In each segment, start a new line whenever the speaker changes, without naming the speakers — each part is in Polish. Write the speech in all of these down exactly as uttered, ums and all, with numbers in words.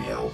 miał.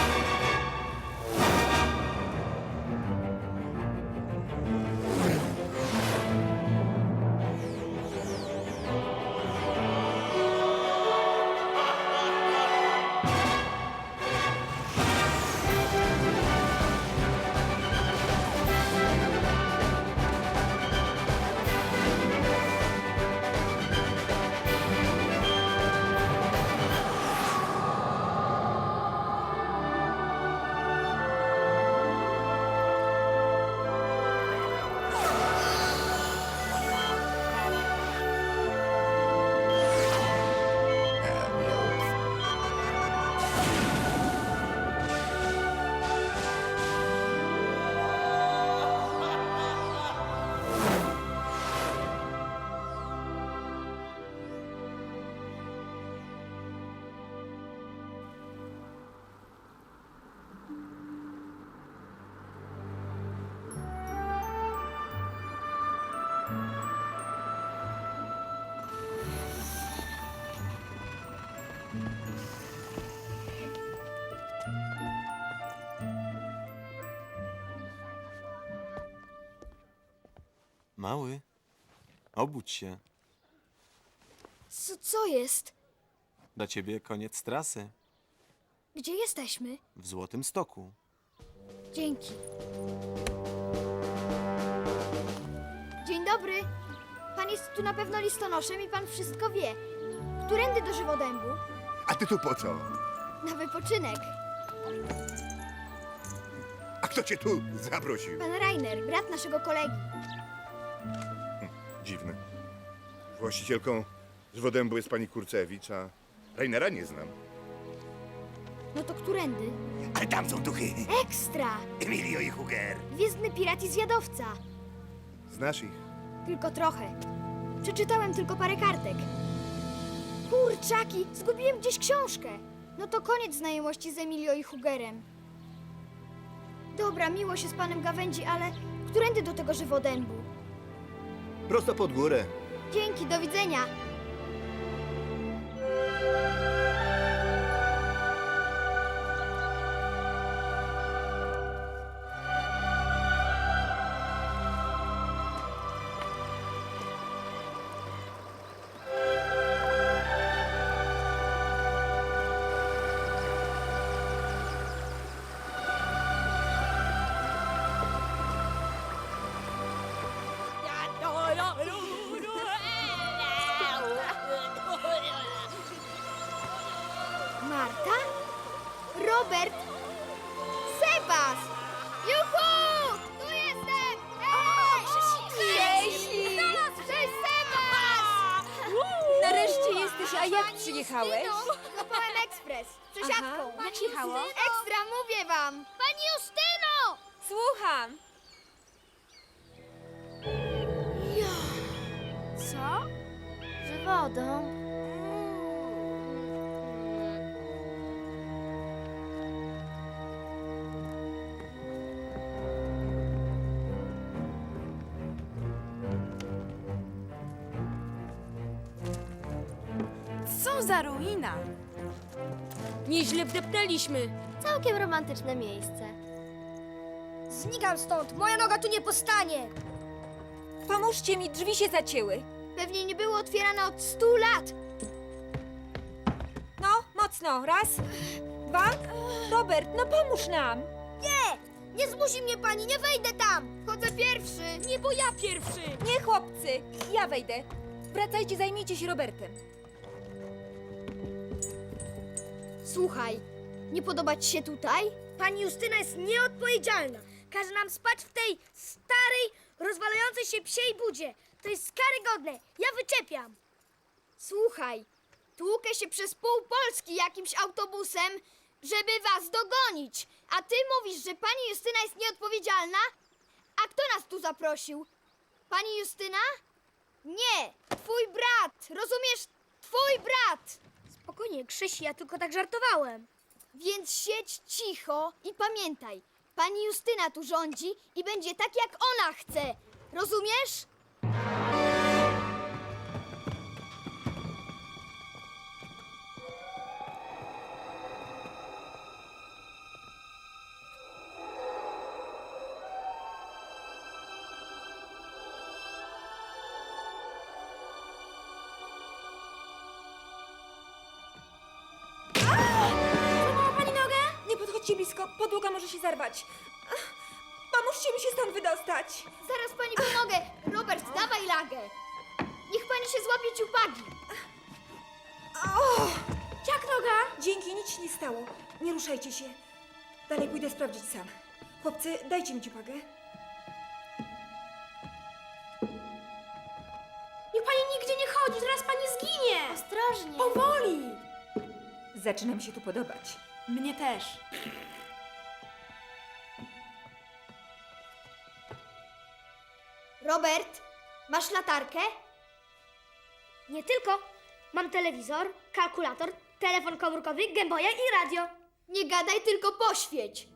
Mały, obudź się.
Co, co jest?
Dla ciebie koniec trasy.
Gdzie jesteśmy?
W Złotym Stoku.
Dzięki. Dzień dobry. Pan jest tu na pewno listonoszem i pan wszystko wie. Którędy do Żywodębu?
A ty tu po co?
Na wypoczynek.
A kto cię tu zaprosił?
Pan Rainer, brat naszego kolegi.
Dziwne. Właścicielką Żwodębu jest pani Kurcewicz, a Rainera nie znam.
No to którędy?
Ale tam są duchy.
Ekstra!
Emilio i Huger.
Gwiezdny pirat i zjadowca.
Znasz ich?
Tylko trochę. Przeczytałem tylko parę kartek. Kurczaki, zgubiłem gdzieś książkę. No to koniec znajomości z Emilio i Hugerem. Dobra, miło się z panem gawędzi, ale którędy do tego Żywodębu?
Prosto pod górę.
Dzięki, do widzenia. Marta? Robert? Sebas! Juhu! Tu jestem! Ej! Cześć! Cześć, Sebas!
Nareszcie jesteś, a jak przyjechałeś?
Złapałem ekspres. Przesiadką.
Aha, jak jechało?
Ekstra, mówię wam! Pani Justyno!
Słucham.
Co? Z wodą?
Co za ruina!
Nieźle wdepnęliśmy.
Całkiem romantyczne miejsce. Znikam stąd! Moja noga tu nie postanie!
Pomóżcie mi, drzwi się zacięły.
Pewnie nie było otwierane od stu lat.
No, mocno. Raz, dwa. Robert, no pomóż nam.
Nie! Nie zmusi mnie pani, nie wejdę tam! Chodzę pierwszy!
Nie, bo ja pierwszy. Nie, chłopcy, ja wejdę. Wracajcie, zajmijcie się Robertem.
Słuchaj, nie podoba ci się tutaj?
Pani Justyna jest nieodpowiedzialna. Każe nam spać w tej starej, rozwalającej się psiej budzie. To jest karygodne. Ja wyczepiam.
Słuchaj, tłukę się przez pół Polski jakimś autobusem, żeby was dogonić. A ty mówisz, że pani Justyna jest nieodpowiedzialna? A kto nas tu zaprosił? Pani Justyna? Nie, twój brat, rozumiesz? Twój brat!
Spokojnie, Krzysi, ja tylko tak żartowałem.
Więc siedź cicho i pamiętaj, pani Justyna tu rządzi i będzie tak, jak ona chce. Rozumiesz?
podchodźcie blisko, podłoga może się zarwać. Ach, pomóżcie mi się stąd wydostać.
Zaraz pani pomogę. Robert, dawaj lagę. Niech pani się złapie ciupagi.
O!
Jak noga?
Dzięki, nic się nie stało. Nie ruszajcie się. Dalej pójdę sprawdzić sam. Chłopcy, dajcie mi ciupagę.
Niech pani nigdzie nie chodzi, zaraz pani zginie.
Ostrożnie.
Powoli.
Zaczyna mi się tu podobać.
Mnie też.
Robert, masz latarkę?
Nie tylko. Mam telewizor, kalkulator, telefon komórkowy, gęboja i radio.
Nie gadaj, tylko poświeć.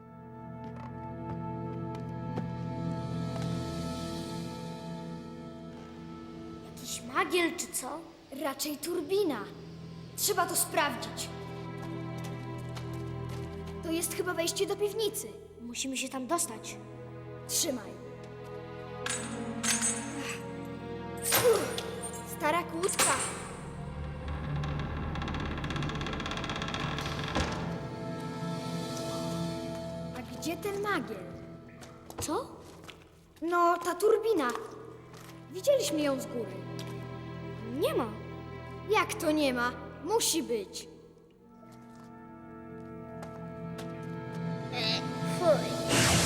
Jakiś magiel czy co?
Raczej turbina. Trzeba to sprawdzić. To jest chyba wejście do piwnicy.
Musimy się tam dostać.
Trzymaj. Uff, stara kłódka. A gdzie ten magiel?
Co?
No, ta turbina. Widzieliśmy ją z góry.
Nie ma.
Jak to nie ma? Musi być. Fuj.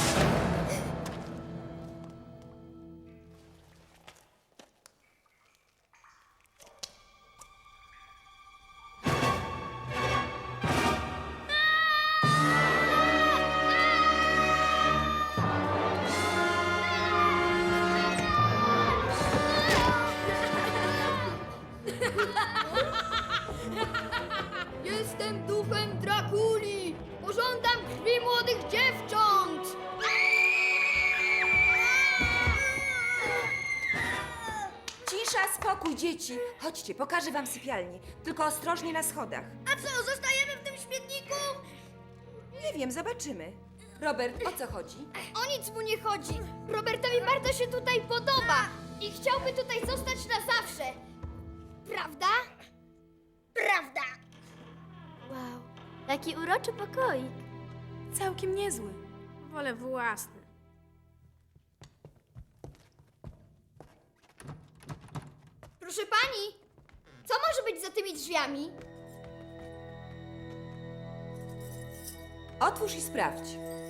Jestem duchem Drakuli! Pożądam krwi młodych dziewcząt!
Cisza, spokój, dzieci. Chodźcie, pokażę wam sypialnię. Tylko ostrożnie na schodach.
A co, zostajemy w tym śmietniku?
Nie wiem, zobaczymy. Robert, o co chodzi?
O nic mu nie chodzi. Robertowi bardzo się tutaj podoba i chciałby tutaj zostać na zawsze. Prawda? Prawda.
Wow, jaki uroczy pokoik.
Całkiem niezły. Wolę własny.
Proszę pani, co może być za tymi drzwiami?
Otwórz i sprawdź.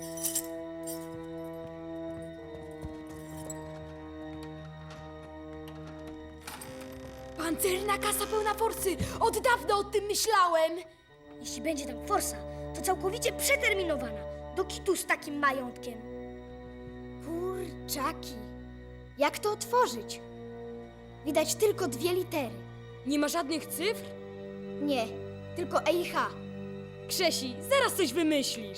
Pancerna kasa pełna forsy! Od dawna o tym myślałem!
Jeśli będzie tam forsa, to całkowicie przeterminowana. Do kitu z takim majątkiem.
Kurczaki. Jak to otworzyć? Widać tylko dwie litery.
Nie ma żadnych cyfr?
Nie, tylko E i H.
Krzesi, zaraz coś wymyślisz.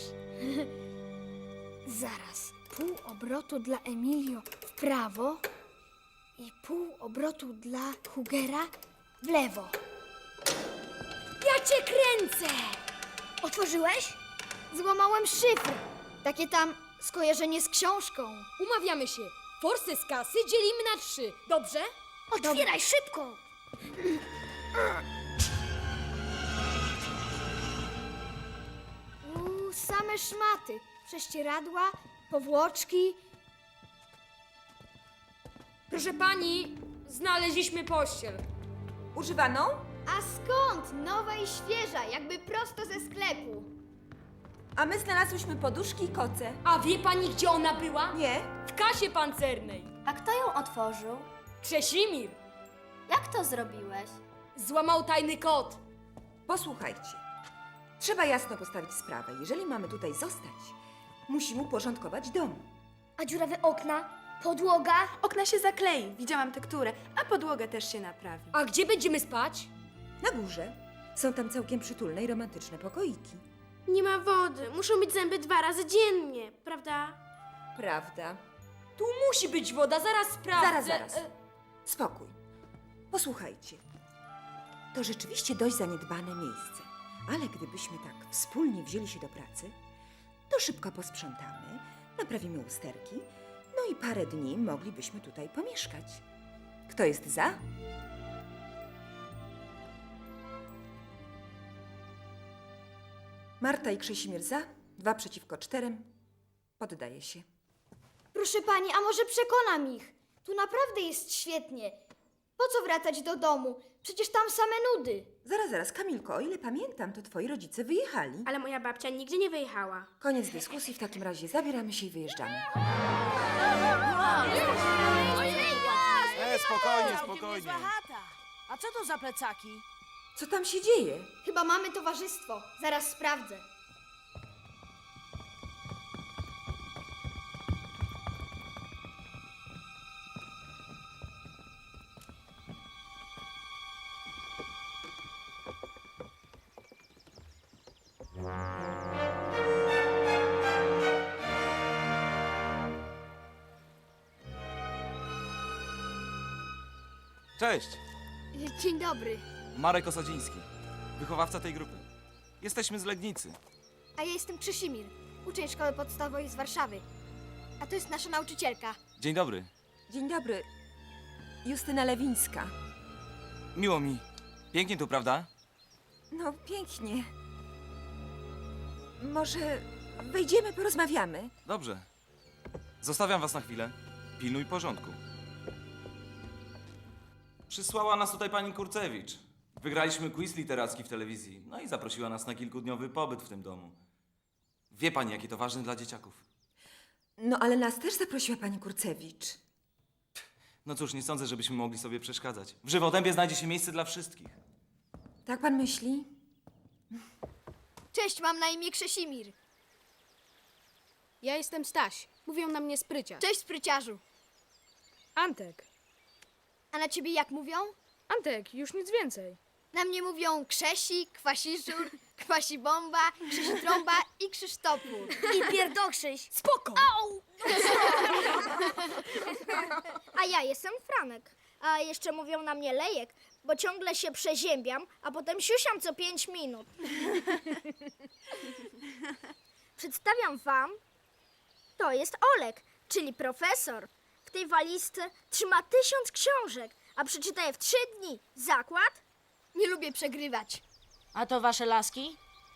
Zaraz. Pół obrotu dla Emilio w prawo i pół obrotu dla Hugera w lewo.
Ja cię kręcę! Otworzyłeś?
Złamałem szyfr. Takie tam skojarzenie z książką.
Umawiamy się. Forsę z kasy dzielimy na trzy, dobrze?
Otwieraj szybko!
Uuu, same szmaty. Prześcieradła, powłoczki.
Proszę pani, znaleźliśmy pościel.
Używaną?
A skąd? Nowa i świeża, jakby prosto ze sklepu.
A my znalazłyśmy poduszki i koce.
A wie pani, gdzie ona była?
Nie?
W kasie pancernej.
A kto ją otworzył?
Krzesimir
Jak to zrobiłeś?
złamał tajny kod.
Posłuchajcie. Trzeba jasno postawić sprawę. Jeżeli mamy tutaj zostać, musimy uporządkować dom.
A dziurawe okna? Podłoga?
Okna się zaklei, widziałam tekturę, a podłogę też się naprawi.
A gdzie będziemy spać?
Na górze są tam całkiem przytulne i romantyczne pokoiki.
Nie ma wody. Muszą być zęby dwa razy dziennie, prawda?
Prawda?
Tu musi być woda, zaraz sprawdzę.
Zaraz, zaraz.
E,
Spokój. Posłuchajcie. To rzeczywiście dość zaniedbane miejsce. Ale gdybyśmy tak wspólnie wzięli się do pracy, to szybko posprzątamy, naprawimy usterki, no i parę dni moglibyśmy tutaj pomieszkać. Kto jest za? Marta i Krzesimir za? Dwa przeciwko czterem. Poddaję się.
Proszę pani, a może przekonam ich? Tu naprawdę jest świetnie. Po co wracać do domu? Przecież tam same nudy.
Zaraz, zaraz, Kamilko, o ile pamiętam, to twoi rodzice wyjechali.
Ale moja babcia nigdzie nie wyjechała.
Koniec dyskusji, w takim razie zabieramy się i wyjeżdżamy.
E, spokojnie, spokojnie.
A co to za plecaki?
Co tam się dzieje?
Chyba mamy towarzystwo. Zaraz sprawdzę.
Cześć,
Dzień dobry.
Marek Osadziński, wychowawca tej grupy. Jesteśmy z Legnicy.
A ja jestem Krzysimir, uczeń szkoły podstawowej z Warszawy. A to jest nasza nauczycielka.
Dzień dobry,
Dzień dobry. Justyna Lewińska.
miło mi. Pięknie tu, prawda?
No, pięknie. Może wejdziemy, porozmawiamy?
Dobrze. Zostawiam was na chwilę. Pilnuj porządku. Przysłała nas tutaj pani Kurcewicz. Wygraliśmy quiz literacki w telewizji, no i zaprosiła nas na kilkudniowy pobyt w tym domu. Wie pani, jakie to ważne dla dzieciaków.
No, ale nas też zaprosiła pani Kurcewicz.
No cóż, nie sądzę, żebyśmy mogli sobie przeszkadzać. W Żywodębie znajdzie się miejsce dla wszystkich.
Tak pan myśli?
Cześć, mam na imię Krzysimir.
Ja jestem Staś. Mówią na mnie sprycia.
Cześć, spryciarzu.
Antek.
A na ciebie jak mówią?
Antek, już nic więcej.
Na mnie mówią Krzesik, Kwasiszur, Kwasibomba, Krzysitrąba i Krzysztopór.
I pierdokrzyś.
Spoko!
A ja jestem Franek. A jeszcze mówią na mnie Lejek, bo ciągle się przeziębiam, a potem siusiam co pięć minut. Przedstawiam wam, to jest Olek, czyli profesor. W tej walizce trzyma tysiąc książek, a przeczyta je w trzy dni. Zakład?
Nie lubię przegrywać.
A to wasze laski?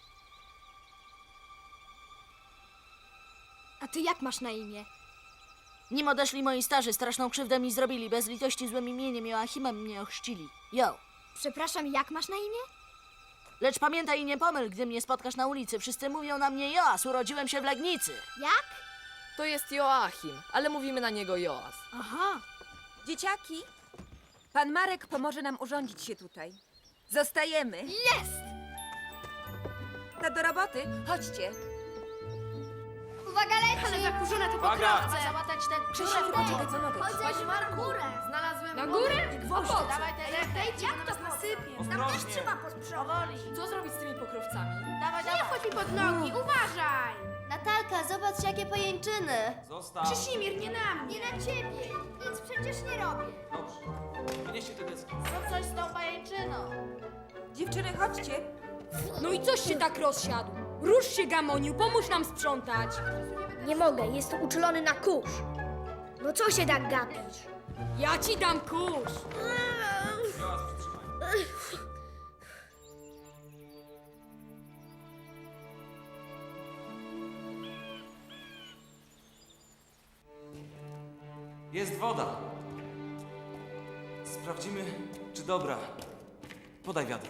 A ty jak masz na imię?
Nim odeszli moi starzy, straszną krzywdę mi zrobili. Bez litości złym imieniem Joachimem mnie ochrzcili. Jo.
Przepraszam, jak masz na imię?
Lecz pamiętaj i nie pomyl, gdy mnie spotkasz na ulicy. Wszyscy mówią na mnie Joas, urodziłem się w Legnicy.
Jak?
To jest Joachim, ale mówimy na niego Joas.
Aha.
Dzieciaki, pan Marek pomoże nam urządzić się tutaj. Zostajemy.
Jest!
To do roboty. Chodźcie.
Uwaga,
Ale
leci!
zakurzone te
Uwaga!
pokrowce.
Załatać ten
Krzysiu, poczekaj, pomogę ci.
Chodź na górę.
Znalazłem
Na górę?
i gwoździe.
Po co?
Dawaj te ręce, jak to nasypie.
Ostrożnie!
Powoli.
Co zrobić z tymi pokrowcami?
Dawaj, dawaj. Nie chodź mi pod nogi, uważaj.
Natalka, zobacz jakie pajęczyny.
Zostaw!
Krzysimir, nie na mnie.
Nie na ciebie. Nic przecież nie robię.
Dobrze. Wynieście te deski.
Zrób coś z tą pajęczyną.
Dziewczyny, chodźcie.
No i coś się tak rozsiadł? Rusz się, Gamoniu, pomóż nam sprzątać.
Nie mogę, jest uczulony na kurz. No co się tak gapisz?
Ja ci dam kurz.
Jest woda. Sprawdzimy, czy dobra. Podaj wiadro.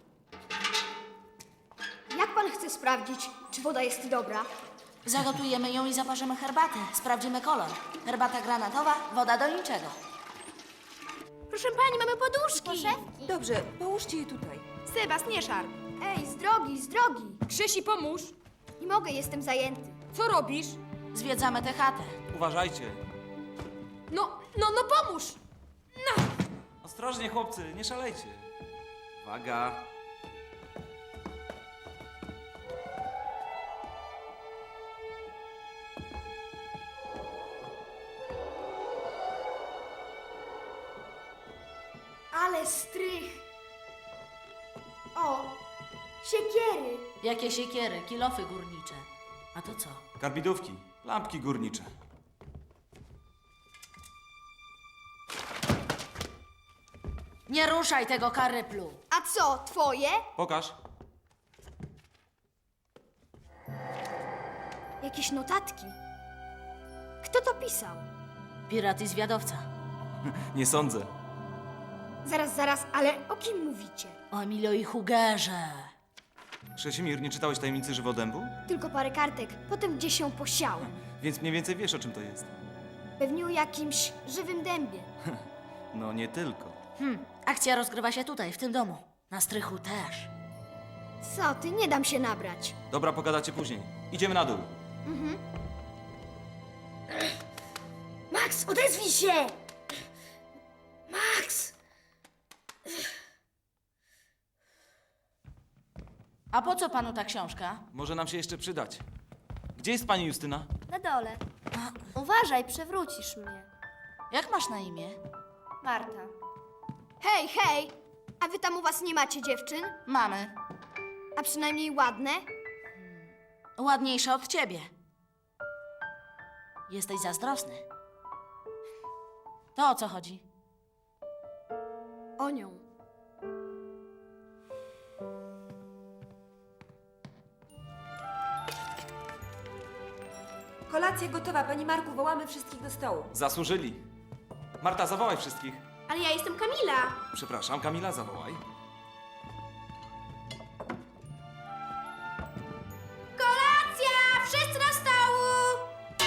Jak pan chce sprawdzić, czy woda jest dobra?
Zagotujemy ją i zaparzymy herbatę. Sprawdzimy kolor. Herbata granatowa, woda do niczego.
Proszę pani, mamy poduszki.
Dobrze, połóżcie je tutaj.
Sebas, nie szarp.
Ej, z drogi, z drogi.
Krzysi, pomóż.
Nie mogę, jestem zajęty.
Co robisz? Zwiedzamy tę chatę.
Uważajcie.
No, no, no pomóż.
Ostrożnie, chłopcy, nie szalejcie. Uwaga.
Ale strych. O, siekiery.
Jakie siekiery, kilofy górnicze. A to co?
Karbidówki, lampki górnicze.
Nie ruszaj tego karyplu.
A co, twoje?
Pokaż.
Jakieś notatki. Kto to pisał?
Pirat i zwiadowca.
Nie sądzę.
Zaraz, zaraz, ale o kim mówicie?
O Emilio i Hugerze.
Krzesimir, nie czytałeś Tajemnicy Żywodębu?
Tylko parę kartek, potem gdzieś się posiało.
Więc mniej więcej wiesz, o czym to jest.
Pewnie o jakimś żywym dębie.
No nie tylko.
Hmm, akcja rozgrywa się tutaj, w tym domu. Na strychu też.
Co ty, nie dam się nabrać.
Dobra, pogadacie później. Idziemy na dół.
Max, odezwij się! Max!
A po co panu ta książka?
Może nam się jeszcze przydać. Gdzie jest pani Justyna?
Na dole. Uważaj, przewrócisz mnie.
Jak masz na imię?
Marta.
Hej, hej! A wy tam u was nie macie dziewczyn?
Mamy.
A przynajmniej ładne?
Ładniejsza od ciebie. Jesteś zazdrosny. To o co chodzi?
O nią.
Kolacja gotowa, pani Marku, wołamy wszystkich do stołu.
Zasłużyli. Marta, zawołaj wszystkich.
Ale ja jestem Kamila.
Przepraszam, Kamila, zawołaj.
Kolacja! Wszyscy na stołu!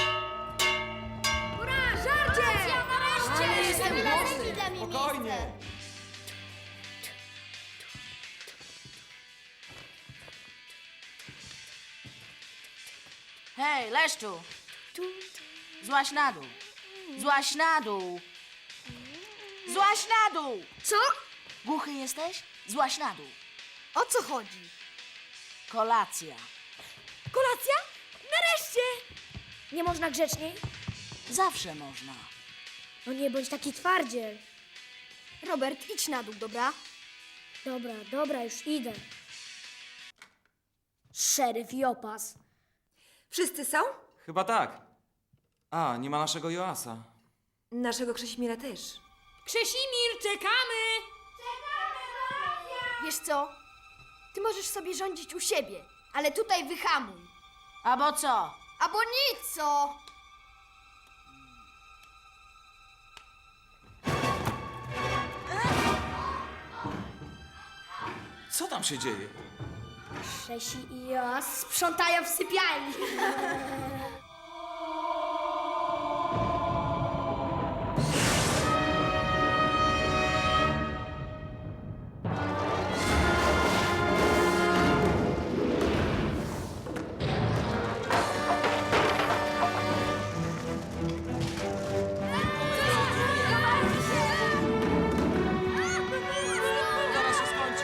Ura, żarcie!
nareszcie!
Jestem głodny. Dla mnie
Spokojnie.
miejsce.
Hej, Leszczu! Złaź na dół. Złaź na dół. Złaź na dół!
Co?
Głuchy jesteś? Złaź na dół.
O co chodzi?
Kolacja.
Kolacja? Nareszcie! Nie można grzeczniej?
Zawsze można.
No nie bądź taki twardziel. Robert, idź na dół, dobra? Dobra, dobra, już idę. Szeryf i opas.
Wszyscy są?
Chyba tak. A, nie ma naszego Joasa.
Naszego Krzesimira też.
Krzesimir, czekamy!
Wiesz co? Ty możesz sobie rządzić u siebie, ale tutaj wyhamuj.
Albo co?
Albo nic, co?
Co tam się dzieje?
Krzesi i Joas sprzątają w sypialni.
Zaraz się skończy.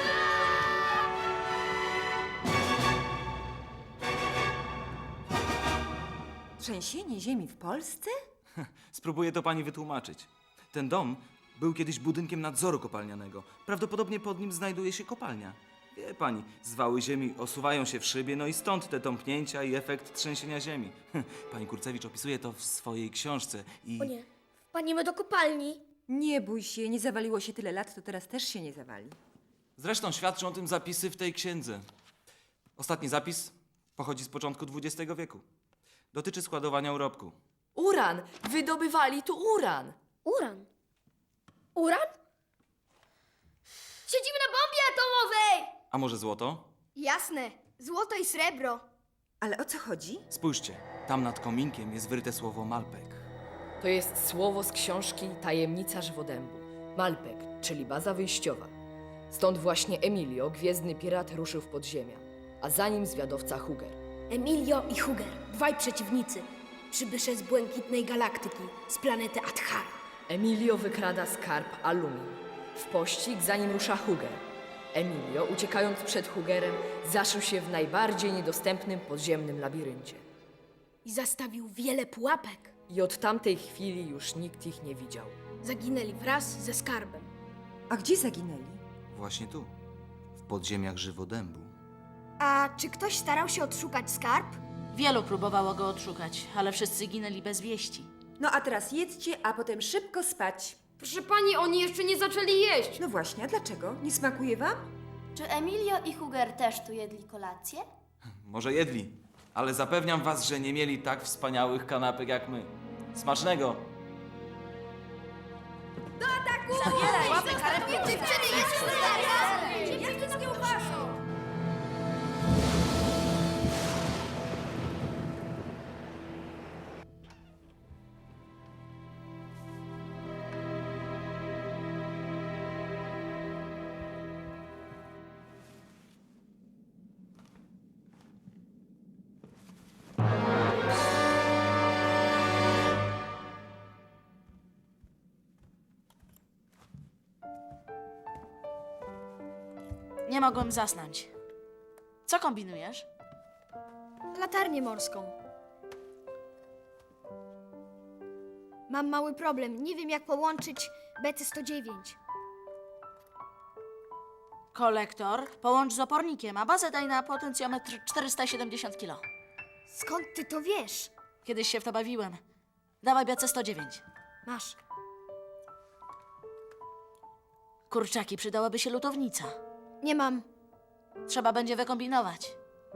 Trzęsienie ziemi w Polsce?
Spróbuję to pani wytłumaczyć. Ten dom był kiedyś budynkiem nadzoru kopalnianego. Prawdopodobnie pod nim znajduje się kopalnia. Wie pani, zwały ziemi osuwają się w szybie, no i stąd te tąpnięcia i efekt trzęsienia ziemi. Pani Kurcewicz opisuje to w swojej książce i...
O nie, wpadniemy do kopalni.
Nie bój się, nie zawaliło się tyle lat, to teraz też się nie zawali.
Zresztą świadczą o tym zapisy w tej księdze. Ostatni zapis pochodzi z początku dwudziestego wieku. Dotyczy składowania urobku.
Uran! Wydobywali tu uran!
Uran. Uran? Siedzimy na bombie atomowej!
A może złoto?
Jasne, złoto i srebro.
Ale o co chodzi?
Spójrzcie, tam nad kominkiem jest wyryte słowo Malpek.
To jest słowo z książki Tajemnica Żywodębu. Malpek, czyli baza wyjściowa. Stąd właśnie Emilio, gwiezdny pirat, ruszył w podziemia, a za nim zwiadowca Huger.
Emilio i Huger, dwaj przeciwnicy. Przybysze z błękitnej galaktyki, z planety Adhara.
Emilio wykrada skarb Alumin. W pościg za nim rusza Huger. Emilio, uciekając przed Hugerem, zaszył się w najbardziej niedostępnym podziemnym labiryncie.
I zastawił wiele pułapek.
I od tamtej chwili już nikt ich nie widział.
Zaginęli wraz ze skarbem.
A gdzie zaginęli?
Właśnie tu, w podziemiach Żywodębu.
A czy ktoś starał się odszukać skarb?
Wielu próbowało go odszukać, ale wszyscy ginęli bez wieści.
No a teraz jedzcie, a potem szybko spać.
Proszę pani, oni jeszcze nie zaczęli jeść.
No właśnie, a dlaczego? Nie smakuje wam?
Czy Emilio i Huger też tu jedli kolację?
Może jedli, ale zapewniam was, że nie mieli tak wspaniałych kanapek jak my. Smacznego!
Zabieraj! Łapy karetkę!
Dziewczyny, jest tutaj!
Jak ty z kiełbasą?
Nie mogłem zasnąć. Co kombinujesz?
Latarnię morską. Mam mały problem. Nie wiem, jak połączyć B C sto dziewięć.
Kolektor połącz z opornikiem, a bazę daj na potencjometr czterysta siedemdziesiąt kilo.
Skąd ty to wiesz?
Kiedyś się w to bawiłem. Dawaj B C sto dziewięć.
Masz.
Kurczaki, przydałaby się lutownica.
Nie mam.
Trzeba będzie wykombinować.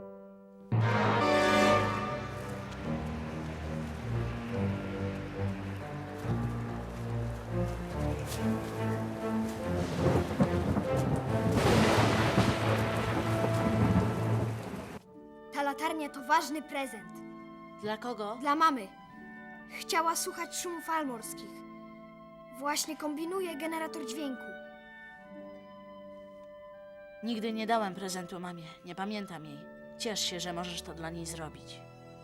Ta latarnia to ważny prezent.
Dla kogo?
Dla mamy. Chciała słuchać szumów fal morskich. Właśnie kombinuje generator dźwięku.
Nigdy nie dałem prezentu mamie. Nie pamiętam jej. Ciesz się, że możesz to dla niej zrobić.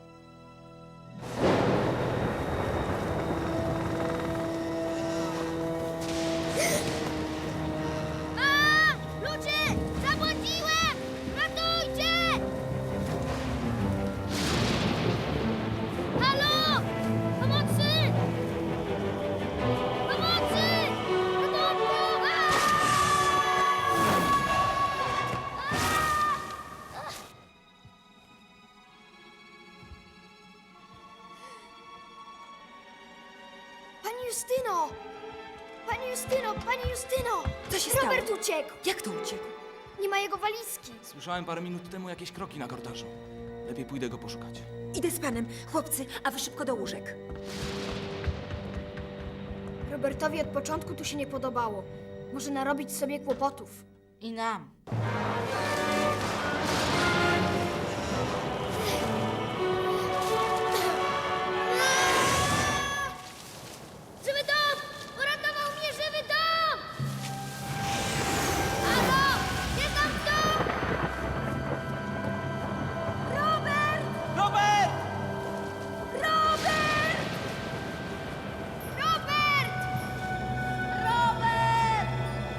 A! Ludzie! Zabłądziłem! Ratujcie! Halo! Pomocy! Pomocy! Ratunku! Pani Justyno! Pani Justyno! Pani Justyno!
Co się stało?
Robert uciekł!
Jak to uciekł?
Nie ma jego walizki.
Słyszałem parę minut temu jakieś kroki na korytarzu. Lepiej pójdę go poszukać.
Idę z panem. Chłopcy, a wy szybko do łóżek.
Robertowi od początku tu się nie podobało. Może narobić sobie kłopotów.
I nam.
Żywy dom! Uratował mnie żywy dom! Halo! Jest tam dom! Robert!
Robert!
Robert! Robert! Robert!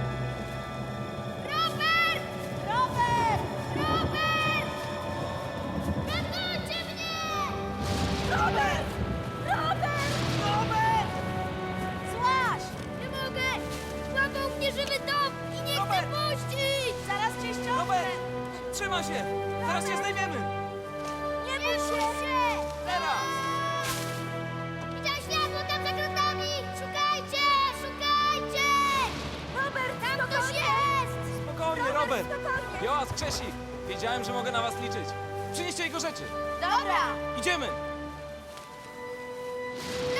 Robert! Robert! Robert! Ratujcie mnie! Robert! Robert! Robert! Złaś! Nie mogę! Złapał mnie żywy dom i nie chcę puścić! Zaraz cię ściągnę!
Robert! Trzymaj się! Zaraz cię zdejmiemy!
Nie bój się!
Teraz!
Widziałem światło tam za kratami! Szukajcie! Szukajcie! Robert, tam ktoś jest!
Spokojnie, Robert! Joas, Krzesik! Wiedziałem, że mogę na was liczyć. Przynieście jego rzeczy!
Dobra!
Idziemy!